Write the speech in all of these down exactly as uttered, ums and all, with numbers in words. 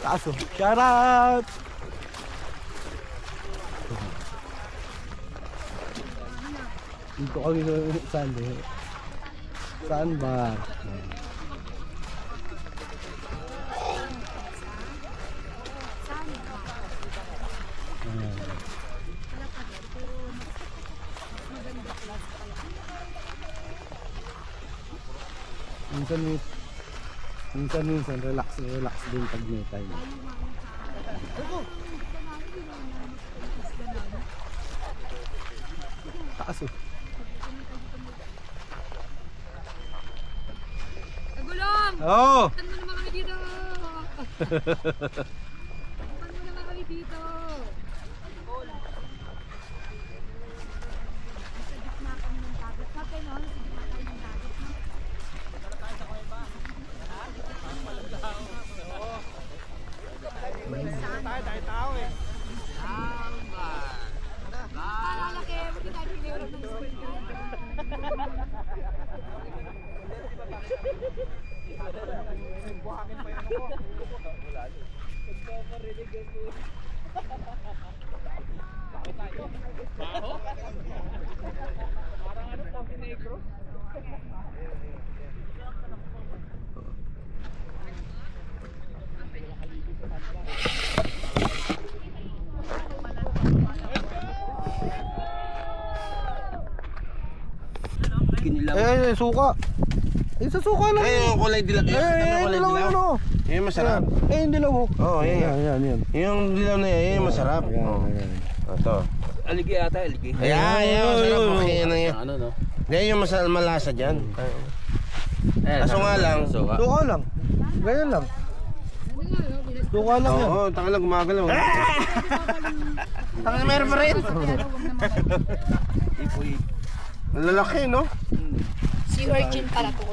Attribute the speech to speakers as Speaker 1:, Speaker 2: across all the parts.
Speaker 1: Kaso, shout out! Dito kami sa saan eh? Saan ba? Minsan minsan minsan relax relax din pag may time. Taas oh.
Speaker 2: Nagulong!
Speaker 1: Oo!
Speaker 2: Puntan mo naman kami dito! Puntan mo naman kami dito! Sa gitna kami ng dagat. Sabi no? Sa gitna kayo ng dagat.
Speaker 3: Tayo-tayo eh.
Speaker 2: Malalaki! Hindi tayo piniulog ng school.
Speaker 3: Buhangin pa yun ako. Bakit tayo? Baho? Parang ano, Tafi Negro?
Speaker 1: Eh, suka. Eh, sa suka lang.
Speaker 4: Eh, yung kulay dilaw.
Speaker 1: Eh,
Speaker 4: Eh, yung kulay
Speaker 1: dilaw
Speaker 4: dilaw.
Speaker 1: yun oh.
Speaker 4: Yung masarap.
Speaker 1: Eh, yung dilaw oh.
Speaker 4: Oo, yan,
Speaker 1: Yan, yan, yan.
Speaker 4: Yung dilaw na yan, yung masarap.
Speaker 1: Yan,
Speaker 4: Oo.
Speaker 1: yan.
Speaker 4: Ito.
Speaker 3: Aligi ata, aligi.
Speaker 4: Ayan, yan, masarap.
Speaker 1: Ayun,
Speaker 4: Okay, yan na yan.
Speaker 3: Ano no?
Speaker 4: Yan yung masarap malasa dyan.
Speaker 3: Eh,
Speaker 4: Kaso nga lang.
Speaker 3: Suka.
Speaker 1: Suka lang. Ganyan lang. Suka lang yan.
Speaker 4: Oo, taka lang gumagalaw. Taka na meron pa rin.
Speaker 3: Ipoy.
Speaker 4: Ang lalaki, no?
Speaker 2: Si Virgin pala to.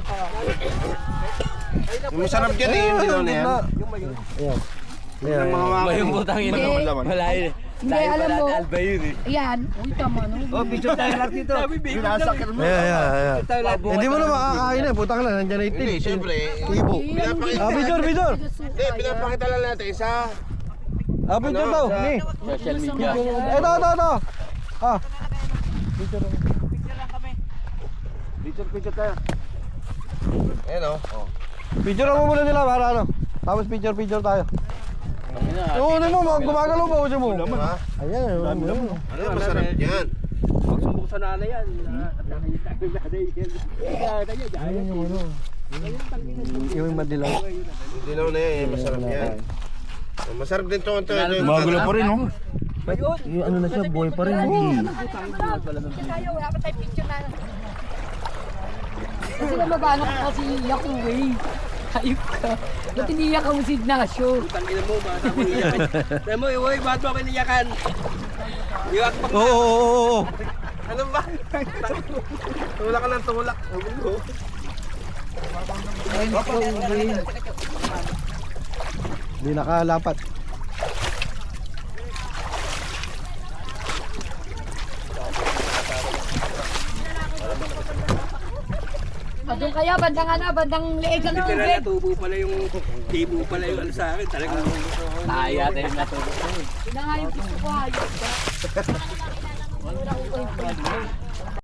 Speaker 4: Yung masarap dyan eh, yung dilaw na yan.
Speaker 1: Ayan. Ayan.
Speaker 4: Yung mga
Speaker 3: Ba
Speaker 4: wakan.
Speaker 3: yung putang ina? Wala yun.
Speaker 2: Hindi, alam mo.
Speaker 3: Alba yun eh.
Speaker 2: Ayan. Uy, tama no.
Speaker 3: Oh, picture tayo lang dito. Binasakit mo.
Speaker 1: Ayan, ayan, ayan.
Speaker 3: Tayo lang.
Speaker 1: Hindi mo na makakain eh. Putang lang. Nandiyan na itin.
Speaker 4: Hindi, siyempre.
Speaker 1: Ibo.
Speaker 4: Pinapakita.
Speaker 1: Ah, picture, picture.
Speaker 4: Hindi, pinapakita lang natin sa...
Speaker 1: Ah, picture
Speaker 4: Ano?
Speaker 1: daw.
Speaker 4: Sa-
Speaker 1: Ni.
Speaker 3: Social media.
Speaker 1: Ito, ito, ito. Ah. Picture lang.
Speaker 4: Picture, picture tayo. Ayan o. Oh.
Speaker 1: Picture mo muna nila para ano. Tapos picture, picture tayo. Oo, ano mo, mag- gumagalaw ba uso mo?
Speaker 4: Diba?
Speaker 1: Ayan, ayan.
Speaker 4: Ano, masarap yan.
Speaker 3: Magsumbong sa nanay yan. Nakita ko yung nanay yan. Kaya niya, dahil.
Speaker 1: Ayan yung ano. Yung madilaw.
Speaker 4: Yung dilaw na yan, yung masarap yan. Masarap din ito. Ito, ito.
Speaker 3: Magulo pa rin,
Speaker 4: oh.
Speaker 1: Yung ano na siya, boy pa rin.
Speaker 2: Tayo, wala pa tayo picture na. Kasi namagana ko kasi iyak ko eh. Ayok ka. Ba't iniyak ka mo si Ignacio?
Speaker 3: Tangina mo, bata mo iyakan. Sabi mo, uy, ba't mo ako iniyakan? Iyak pa.
Speaker 1: Oo, oo, oo, oo.
Speaker 4: Ano ba? Tulak ka ng tulak.
Speaker 1: Hindi nakalapat.
Speaker 2: O doon kaya, bandang ano, bandang leeg ang
Speaker 3: Literal
Speaker 2: tubig.
Speaker 3: na tubo pala yung, tibo pala yung ano sa akin. Talagang taya tayo na tubo.
Speaker 2: Yun na nga yung gusto ko, ayok ka. Wala ko kayo pwede.